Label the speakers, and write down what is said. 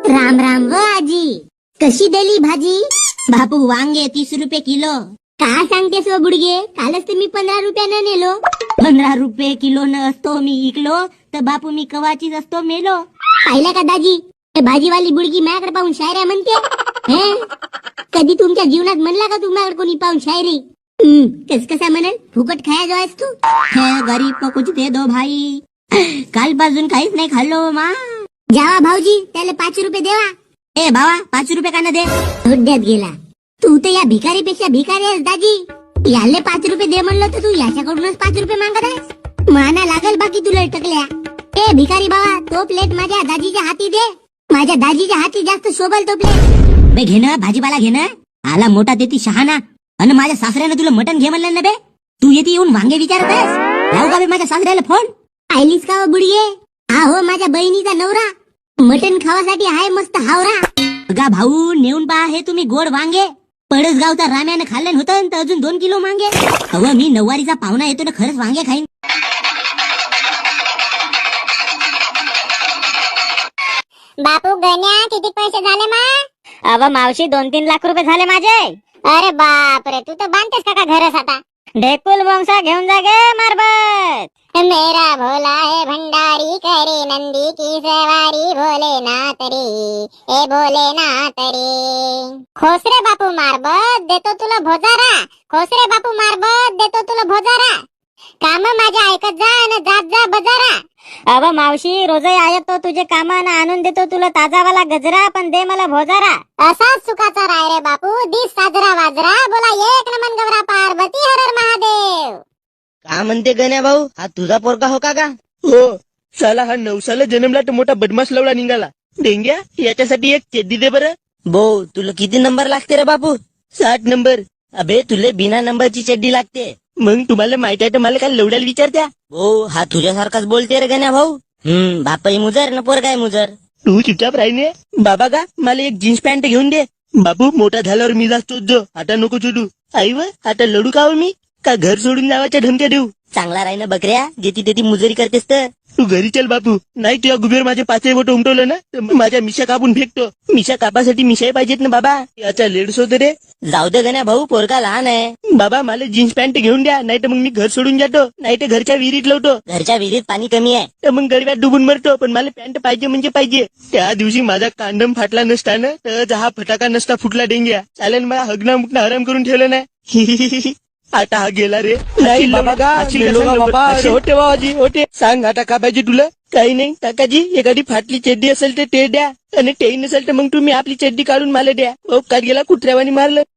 Speaker 1: राम राम व आजी, कशी दिली भाजी? बापू वांगे 30 रुपये किलो. का सांगतेस व बुडगे, कालच तर मी 15 रुपयानं नेलो. 15 रुपये किलो न असतो मी इकलो तर बापू मी कवाचीच असतो मेलो. पाहिला का दाजी, भाजीवाली बुडगी माझ्याकडे पाहून शायऱ्या म्हणते. हे कधी तुमच्या जीवनात म्हणला का तुम्हाला कोणी पाहून शायरी? कस कसा म्हणेल, फुकट खाया जो आहेस तू. गरीब को कुछ दे दो भाई, कालपासून काहीच नाही खाल्लो मा. जावा भाऊजी, त्याला 5 रुपये देवा. ए भावा, 5 रुपये का न दे? धोड्यात गेला तू तर. या भिकारीपेक्षा भिकारी आहेस दाजी. याले 5 रुपये दे म्हणलं तर तू याच्याकडूनच 5 रुपये मागत आहेस. माना लागल बाकी तुला टकल्या. ए भिकारी बाबा, तो प्लेट माझ्या दाजीच्या हाती दे. माझ्या दाजीच्या हाती जास्त शोभल तो प्लेट. बे घेणं भाजीपाला घेणं. आला मोठा देती शहाणा, आणि माझ्या सासऱ्यानं तुला मटण घे म्हणलं ना बे. तू येते येऊन वांगे विचारत आहेस. लावू का बे माझ्या सासऱ्याला फोन? आयलीस का बुडगे? हा हो, माझ्या बहिणीचा नवरा मटण खावासाठी हाय मस्त हावरा. गा भाऊ, नेऊन पहा हे तुम्ही गोड वांगे. पडसगावचा राम्यानं खाल्लं होतं तर अजून 2 किलो मांगे. अव मी नववारीचा पाहुणा येतो ना, खरंच वांगे खाईन.
Speaker 2: बापू गण्या, किती पैसे झाले मा?
Speaker 3: अव मावशी 2-3 लाख रुपये झाले माझे.
Speaker 2: अरे बाप रे, तू तर बांधतेस का घरस आता?
Speaker 3: ढेकुल बोंगसा घेऊन जा गे मारबत.
Speaker 2: मेरा भोला है भंडारी, करे नंदी की सवारी, भोलेनाथ रे, ए भोलेनाथ रे. खोस रे बापू मारबत, देतो तुला भोजारा. खोस रे बापू मारबत, देतो तुला भोजारा. काम माझ्या ऐकत जा आणि जात जा बजारा.
Speaker 3: अव मावशी, रोजही आयतो तुझे कामानं आणून देतो तुला ताजावाला गजरा, पण दे मला भोजारा.
Speaker 2: असाच सुखाचा राय रे बापू, दिस साजरा वाजरा. बोला एक नमन गौरा पार्वती, हर हर महादेव.
Speaker 4: का म्हणते गण्या भाऊ, हा तुझा पोरगा हो का?
Speaker 5: हो, साला हा 9 साला जन्मला तर मोठा बदमाश लवडा निघाला. डेंग्या, याच्यासाठी एक चेद्दी दे बरं.
Speaker 4: भाऊ, तुला किती नंबर लागते रे बापू?
Speaker 5: 60 नंबर.
Speaker 4: अबे, तुले बिना नंबरची चड्डी लागते.
Speaker 5: मग तुम्हाला माहित आहे तर मला काय लवड्याला विचारत्या?
Speaker 4: भाऊ, हा तुझ्यासारखाच बोलते रे गण्या भाऊ. बापाई मुजर न पोरगाय मुजर.
Speaker 5: तू चुपचाप राहीने. बाबा का, मला एक जीन्स पॅन्ट घेऊन दे. बापू, मोठा झाल्यावर मी जास्तोच जो, आता नको छोटू. आई व, आता लढू का हो मी? का घर सोडून जावाच्या धमक्या देऊ?
Speaker 4: चांगला राही ना बकऱ्या, जेती तेती मुजरी करतेस तर.
Speaker 5: तू घरी चल बापू, नाही तुझ्या गुबेर माझे 5 बोट उमटवलं ना तर माझ्या मिशा कापून फेकतो. मिशा कापासाठी मिशाही पाहिजेत ना बाबा. याचा लेडस होत रे.
Speaker 4: जाऊ दे गण्या भाऊ, पोरगा लहान आहे.
Speaker 5: बाबा, मला जीन्स पॅन्ट घेऊन द्या, नाही तर मग मी घर सोडून जातो, नाही तर घरच्या विहिरीत लावतो.
Speaker 4: घरच्या विहिरीत पाणी कमी आहे
Speaker 5: तर मग गडव्यात डुबून मरतो. पण मला पॅन्ट पाहिजे म्हणजे पाहिजे. त्या दिवशी माझा कांडम फाटला नसताना तर हा फटाका नसता फुटला डेंग्या. चालेल, मला हगना मुकना हराम करून ठेवलं नाही. आता हा गेला रे.
Speaker 6: नाही बाबा का, गेलो का बाबा?
Speaker 5: होते बाबाजी, होते. सांग आता का पाहिजे तुला? काही नाही काकाजी, एखादी फाटली चड्डी असेल तर ते द्या, आणि तेही नसेल तर मग तुम्ही आपली चड्डी काढून मला द्या. ओ का गेला, कुत्र्यावानी मारलं.